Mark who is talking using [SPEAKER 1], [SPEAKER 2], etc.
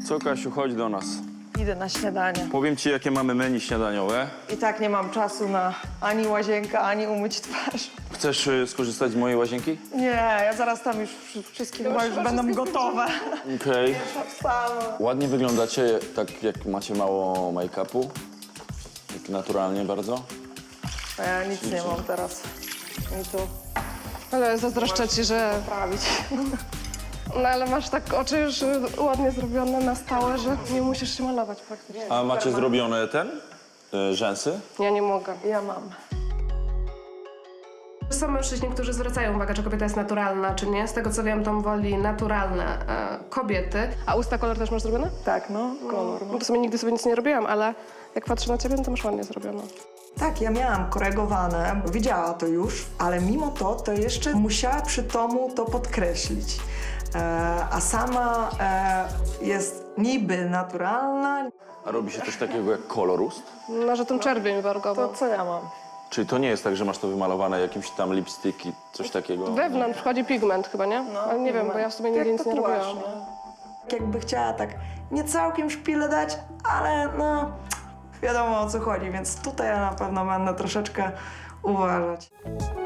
[SPEAKER 1] Co, Kasiu, chodź do nas.
[SPEAKER 2] Idę na śniadanie.
[SPEAKER 1] Powiem ci, jakie mamy menu śniadaniowe.
[SPEAKER 2] I tak nie mam czasu na ani łazienkę, ani umyć twarz.
[SPEAKER 1] Chcesz skorzystać z mojej łazienki?
[SPEAKER 2] Nie, ja zaraz tam już wszystkie chyba już będą gotowe.
[SPEAKER 1] Okej.
[SPEAKER 2] Sama.
[SPEAKER 1] Ładnie wyglądacie, tak jak macie mało make-upu. Tak naturalnie bardzo.
[SPEAKER 2] A ja nic nie mam teraz. I tu
[SPEAKER 3] Ale zazdroszczę ci, że...
[SPEAKER 2] prawić.
[SPEAKER 3] No ale masz tak oczy już ładnie zrobione na stałe, że nie musisz się malować praktycznie.
[SPEAKER 1] A macie zrobione rzęsy?
[SPEAKER 3] Ja nie mogę.
[SPEAKER 2] Ja mam.
[SPEAKER 3] Są mężczyźni, którzy zwracają uwagę, czy kobieta jest naturalna, czy nie. Z tego co wiem, Tom woli naturalne kobiety. A usta kolor też masz zrobione?
[SPEAKER 2] Tak, no, kolor.
[SPEAKER 3] No to sobie nigdy sobie nic nie robiłam, ale jak patrzę na ciebie, no to masz ładnie zrobione.
[SPEAKER 4] Tak, ja miałam korygowane, widziała to już, ale mimo to jeszcze musiała przy Tomu to podkreślić. A sama jest niby naturalna.
[SPEAKER 1] A robi się coś takiego jak kolorust?
[SPEAKER 3] No, że tą czerwień wargową.
[SPEAKER 2] To co ja mam?
[SPEAKER 1] Czyli to nie jest tak, że masz to wymalowane jakimś tam lipstick i coś takiego?
[SPEAKER 3] Wewnątrz wchodzi pigment chyba, nie? Ale nie wiem, bo ja w sobie nigdy
[SPEAKER 2] Jak
[SPEAKER 3] nic nie
[SPEAKER 2] tatuaż,
[SPEAKER 3] robiłam.
[SPEAKER 4] Jakby chciała tak nie całkiem szpilę dać, ale no wiadomo o co chodzi, więc tutaj ja na pewno będę troszeczkę uważać.